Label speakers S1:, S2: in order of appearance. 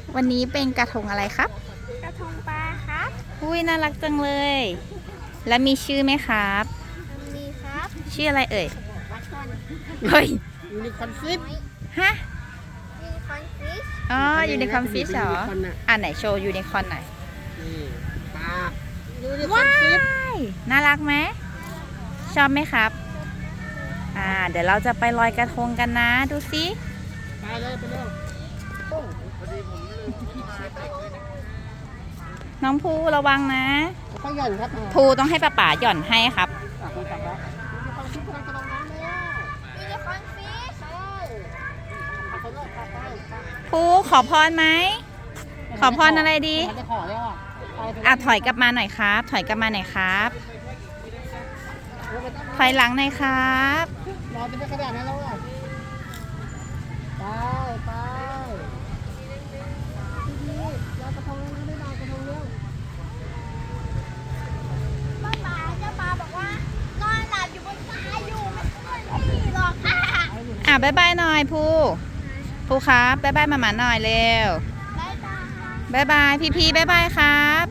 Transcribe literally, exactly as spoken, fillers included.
S1: วันนี้เป็นกระทงอะไรครับ
S2: กระทงปลาครับ
S1: อุ้ยน่ารักจังเลย แล้วมีชื่อไหมครับ
S2: มีครับ
S1: ชื่ออะไรเอ่ย
S2: ปลาช่อน
S1: เฮ้ย
S3: ยูนิคอร์นฟิช
S1: ฮะ
S2: มีคอนฟิช
S1: อ๋อยูนิคอร์นฟิชเหรอ
S3: ยูนิคอร์นน่ะ
S1: อ่าไหนโชว์ยูนิคอร์นหน่อย
S3: นี่ปลายูนิคอ
S1: ว้า
S3: ร์นฟิช
S1: ยน่ารักไหมชอบไหมครับ อ่า เดี๋ยวเราจะไปลอยกระทงกันนะ ดูสิ
S3: ไปเลยไปเร็วโอ้พอดีผมลืม
S1: น้องภูระวังนะ
S3: ต้องหย่อนครับ
S1: ภูต้องให้ป้าป๋าหย่อนให้ครับ
S3: อ่ะคุณจับแล้วยูนิคอร์นฟิชกำลังจะลงน้ำแล้ว
S2: มีคอนฟิช
S3: ใช่พาเขาเลยพาไป
S1: ภูขอพรไหม ขอพรอะไรดี
S3: มันจะขอแล้วอ่ะไปเถ
S1: อ่ะถอยกลับมาหน่อยครับ ถอยกลับมาหน่อยครับ ถอยหลังหน่อยครับ
S3: รอจะไม่ขนาดนั้นแล้วอ่ะไปไปดีๆรอกระทงแล้วนะไม่มากระทงเร็ว
S2: ป้าปลาเจ้าปลาบอกว่านอนหลับอยู่บนทรายอยู่ไม่ขึ้นที่หรอกค่ะ
S1: อ่ะบ๊ายบายหน่อยภูภูครับบ๊ายบายมาหมาหน่อยเร็ว
S2: บ๊ายบาย
S1: บ๊ายบายพี่พีบ๊ายบายครับ